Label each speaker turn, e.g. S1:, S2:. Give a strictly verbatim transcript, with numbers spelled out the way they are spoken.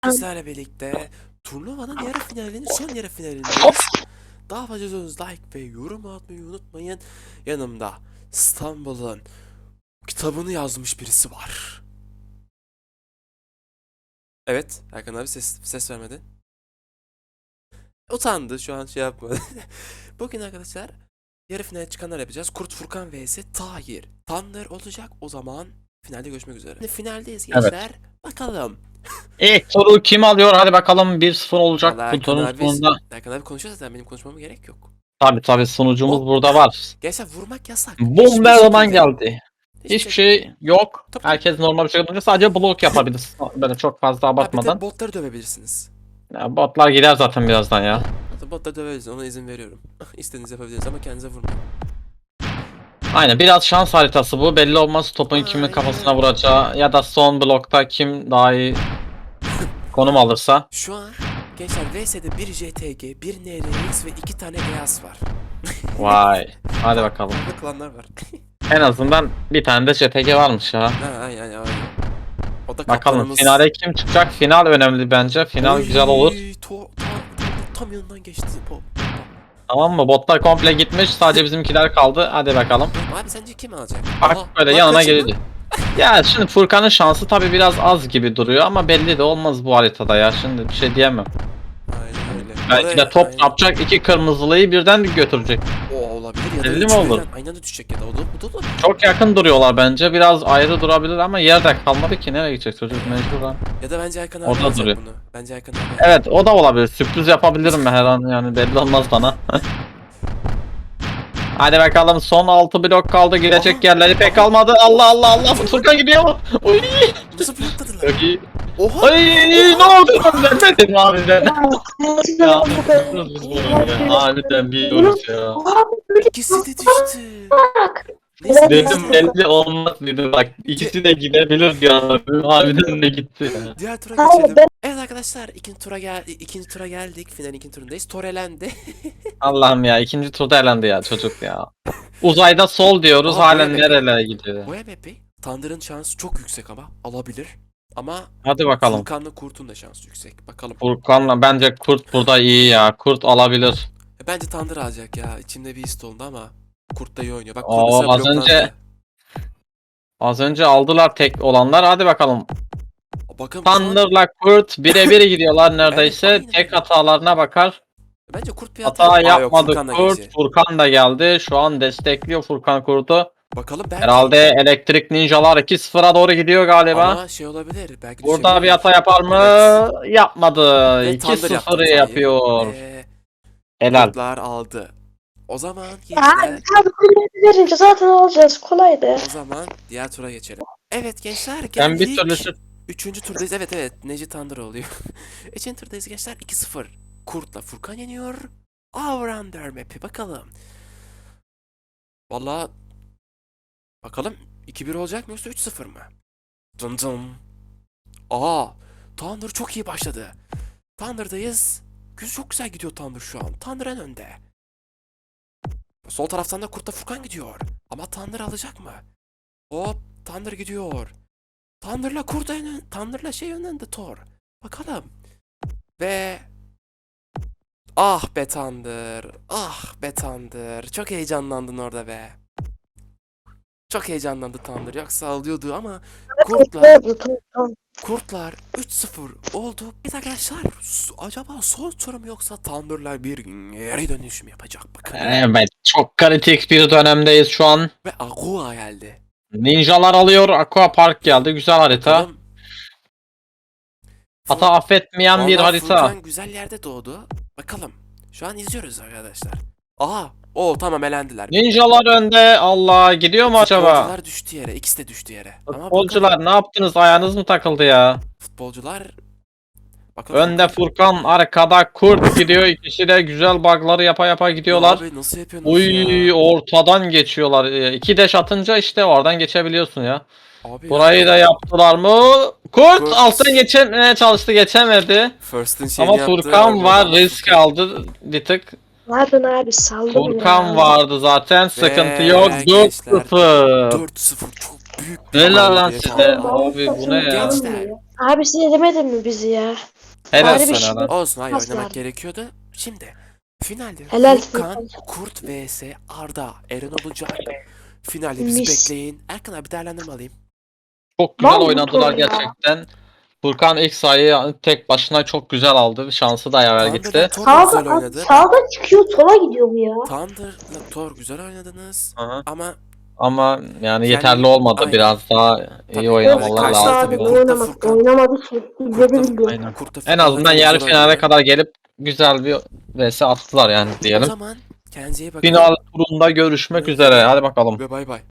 S1: Sizlerle birlikte turnuvanın yarı finalinin son yarı finalindeyiz. Daha fazla izliyorsanız like ve yorum atmayı unutmayın. Yanımda İstanbul'un kitabını yazmış birisi var. Evet, Erkan abi ses, ses vermedi. Utandı, şu an şey yapmadı. Bugün arkadaşlar yarı finale çıkanlar yapacağız. Kurt Furkan vs Tahir. Tanrı olacak, o zaman finalde görüşmek üzere. Şimdi finaldeyiz gençler.
S2: Evet.
S1: Bakalım.
S2: İlk turu kim alıyor? Hadi bakalım, bir sıfır olacak
S1: Vallahi
S2: bu
S1: Erkan
S2: turun
S1: abi,
S2: sonunda.
S1: Erkan abi konuşuyor zaten, benim konuşmama gerek yok.
S2: Tabi tabi, sunucumuz
S1: Hop.
S2: burada var.
S1: Gençler vurmak yasak.
S2: Boom,
S1: Hiçbir
S2: her zaman
S1: şekilde.
S2: geldi.
S1: Hiçbir
S2: Hiçbir şey yok.
S1: Tabii, tabii.
S2: Herkes normal bir şekilde durunca sadece blok yapabilir. Böyle çok fazla
S1: Ha, bir de
S2: abartmadan.
S1: botları dövebilirsiniz.
S2: Ya, botlar gider zaten birazdan ya.
S1: Zaten botları dövebilirsiniz, ona izin veriyorum. İstediğinizi yapabilirsiniz ama kendinize vurmayın.
S2: Aynen, biraz şans haritası bu. Belli olmaz topun kimin
S1: Aynen.
S2: kafasına vuracağı ya da son blokta kim daha iyi konum alırsa.
S1: Şu an gençler V S'de bir J T G, bir N R X ve iki tane Beyaz var.
S2: Vay. Hadi bakalım.
S1: Burada klanlar var.
S2: En azından bir tane de J T G varmış ya.
S1: Ha, aynen aynen. O da
S2: Bakalım
S1: kaptanımız.
S2: finale kim çıkacak? Final önemli bence. Final
S1: Oy,
S2: güzel olur.
S1: To, to, tam yanından geçti. Po.
S2: Tamam mı? Botlar komple gitmiş. Sadece bizimkiler kaldı. Hadi bakalım.
S1: Abi sence kim alacak?
S2: Bak
S1: Aha,
S2: böyle
S1: lan
S2: yanına
S1: kaçırma.
S2: geldi. Ya şimdi Furkan'ın şansı tabi biraz az gibi duruyor ama belli de olmaz bu haritada ya. Şimdi bir şey diyemem.
S1: Aynen öyle.
S2: Belki de
S1: Oraya-
S2: top
S1: aynen.
S2: yapacak, iki kırmızılıyı birden götürecek.
S1: O olabilir ya da
S2: Belli
S1: üç
S2: mi olur?
S1: birden aynı anda düşecek ya da o da bu da olabilir.
S2: Çok yakın duruyorlar bence. Biraz ayrı durabilir ama yerde kalmadı ki. Nereye gidecek çocuk mecburen.
S1: Ya da bence Erkan abi
S2: Orada
S1: alacak
S2: duruyor.
S1: bunu. Bence Erkan abi.
S2: Evet, o da olabilir. Sürpriz yapabilirim her an, yani belli olmaz bana. Hadi bakalım, son altı blok kaldı. Girecek
S1: Aha,
S2: yerleri pek
S1: aha.
S2: kalmadı. Allah Allah Allah. Furkan gidiyor mu? Uy.
S1: Nasıl blokladılar?
S2: Çok iyi.
S1: Oha!
S2: Ay, ne oldu lan, vermedim harbiden. Ya biz bunu ya. Harbiden biliyoruz ya.
S1: İkisi de düştü. Neyse,
S2: Dedim
S1: neyse.
S2: belli olmaz dedim, bak ikisi de gidebilir diyor. Harbiden de gitti ya.
S1: Diğer tura
S3: Hayır,
S1: geçelim.
S3: ben-
S1: Evet arkadaşlar, ikinci tura gel ikinci tura geldik. Finalin ikinci turundayız. Tor elendi.
S2: Allah'ım ya, ikinci turda elendi ya çocuk ya. Uzayda sol diyoruz,
S1: Aa,
S2: halen
S1: buraya
S2: nerelere gidiyor.
S1: Bu M V P Thunder'ın şansı çok yüksek ama alabilir. Ama
S2: Hadi bakalım.
S1: Furkan'la Kurt'un da şansı yüksek. Bakalım.
S2: Furkan'la bence Kurt burada iyi ya. Kurt alabilir.
S1: E, Bence Thunder alacak ya. İçimde bir his oldu ama Kurt da iyi oynuyor. Bak,
S2: Oo,
S1: Kurt mesela
S2: az
S1: bloklandı.
S2: önce- Az önce aldılar tek olanlar. Hadi bakalım.
S1: Bakın şu an-
S2: Thunder'la Kurt birebir gidiyorlar neredeyse.
S1: Evet, aynen
S2: Tek
S1: öyle.
S2: hatalarına bakar.
S1: Bence Kurt bir hata,
S2: Hata
S1: Aa, yok,
S2: yapmadı
S1: Furkan da
S2: Kurt.
S1: geçti.
S2: Furkan da geldi. Şu an destekliyor Furkan Kurt'u.
S1: Bakalım belki.
S2: Herhalde elektrik ninjalar iki sıfıra doğru gidiyor galiba.
S1: Ama şey olabilir. Belki
S2: Burada
S1: düşebilir.
S2: bir hata yapar mı?
S1: Evet.
S2: Yapmadı.
S1: Ve
S2: iki
S1: Thunder yaptı
S2: sıfırı
S1: hatayı.
S2: yapıyor.
S1: Ve
S2: Helal.
S1: Kurtlar aldı. O zaman
S3: Abi,
S1: gençler,
S3: abi kulübü verince zaten alacağız. Kolaydı.
S1: o zaman diğer tura geçelim. Evet gençler,
S2: Ben bir
S1: geldik.
S2: türlü şu-
S1: Üçüncü turdayız. Evet evet, Neji Thunder oluyor. Üçüncü turdayız gençler, iki sıfır. Kurt'la Furkan yeniyor. Avrander map'i bakalım. Valla bakalım iki bir olacak mı yoksa üç sıfır mı? Dın dın. Aa, Thunder çok iyi başladı. Thunder'dayız. Güz çok güzel gidiyor Thunder şu an. Thunder en önde. Sol taraftan da Kurt'la Furkan gidiyor. Ama Thunder alacak mı? Hop, Thunder gidiyor. Thunder'la Kurt en ön... Thunder'la şey önünde Thor. Bakalım. Ve... Ah be Thunder. Ah be Thunder. Çok heyecanlandın orada be. Çok heyecanlandı Thunder. Yoksa alıyordu ama Kurtlar, Kurtlar üç sıfır oldu. Evet arkadaşlar, s- acaba son tur mu yoksa Thunder'lar bir geri dönüş mü yapacak bakın.
S2: Evet, çok kritik bir dönemdeyiz şu an.
S1: Ve Agua geldi.
S2: Ninjalar alıyor. Aqua Park geldi. Güzel harita.
S1: Bakalım.
S2: Hata affetmeyen bir
S1: Vallahi
S2: harita.
S1: Furkan güzel yerde doğdu. Bakalım. Şu an izliyoruz arkadaşlar. Aha. O tamam, elendiler.
S2: Ninjalar önde. Allah, gidiyor mu acaba?
S1: Futbolcular düştü yere. İkisi de düştü yere. Ama
S2: Futbolcular
S1: bakalım.
S2: ne yaptınız? Ayağınız mı takıldı ya?
S1: Futbolcular. Bakalım.
S2: Önde Furkan, arkada Kurt gidiyor. İkisi de güzel bug'ları yapa yapa gidiyorlar.
S1: Abi nasıl yapıyorsunuz
S2: Uy,
S1: ya?
S2: ortadan geçiyorlar. Ee, İki dash atınca işte oradan geçebiliyorsun ya.
S1: Abi
S2: Burayı da yaptılar mı? Kurt,
S1: Kurt.
S2: alttan geçemeye çalıştı, geçemedi.
S1: First'ın şeyini
S2: Ama
S1: yaptı.
S2: Furkan var,
S1: Oradan
S2: risk
S1: Furkan.
S2: aldı bir tık.
S3: Pardon abi saldım
S2: Furkan
S3: ya.
S2: vardı zaten, sıkıntı
S1: Ve
S2: yok. dört
S1: gençler,
S2: sıfır.
S1: dört sıfır çok büyük bir
S2: Helal lan
S1: galibiyet
S2: size.
S1: aldı.
S2: Abi bu ne ya?
S1: Gençler,
S3: Abi size demedim mi bizi ya?
S2: Helal
S3: Bari bir
S2: sana
S3: şey-
S2: lan.
S1: Olsun, hayır,
S3: Nasıl
S1: oynamak
S3: abi?
S1: gerekiyordu. Şimdi finalde
S3: Helal
S1: Furkan,
S3: olsun.
S1: Kurt vs Arda, Eren olacak. Finalde bizi
S3: Mis.
S1: bekleyin. Erkan abi, değerlendirme alayım.
S2: Çok güzel
S3: Mal bu
S2: oynadılar
S3: Tom ya.
S2: gerçekten. Furkan ilk sayıyı tek başına çok güzel aldı. Şansı da yaver
S1: Thunder'la
S2: gitti.
S1: Thor da
S3: Sağda,
S1: güzel
S3: abi,
S1: oynadı. Bak,
S3: sağda çıkıyor sola gidiyor bu ya.
S1: Thunder'la Thor güzel oynadınız.
S2: Aha.
S1: Ama
S2: Ama yani
S1: Kendi-
S2: yeterli olmadı.
S1: Aynen.
S2: Biraz daha iyi
S1: Tabii.
S2: oynamalar
S1: Karşıda
S2: lazım.
S1: tabii
S3: Abi
S1: Kurt'ta
S3: oynamadı,
S1: Furkan.
S3: oynamadı ki. İzledi
S1: Kurt'ta,
S3: bildi.
S2: Aynen.
S1: Kurt'ta
S2: En
S1: Furkan
S2: azından
S1: zaten
S2: yarı
S1: güzel
S2: finale
S1: oynadı.
S2: kadar gelip güzel bir vs attılar yani
S1: O
S2: diyelim.
S1: zaman kendinize iyi bakın.
S2: Final turunda görüşmek
S1: Görüşmek
S2: üzere.
S1: üzere.
S2: Hadi bakalım.
S1: Ve bay bay.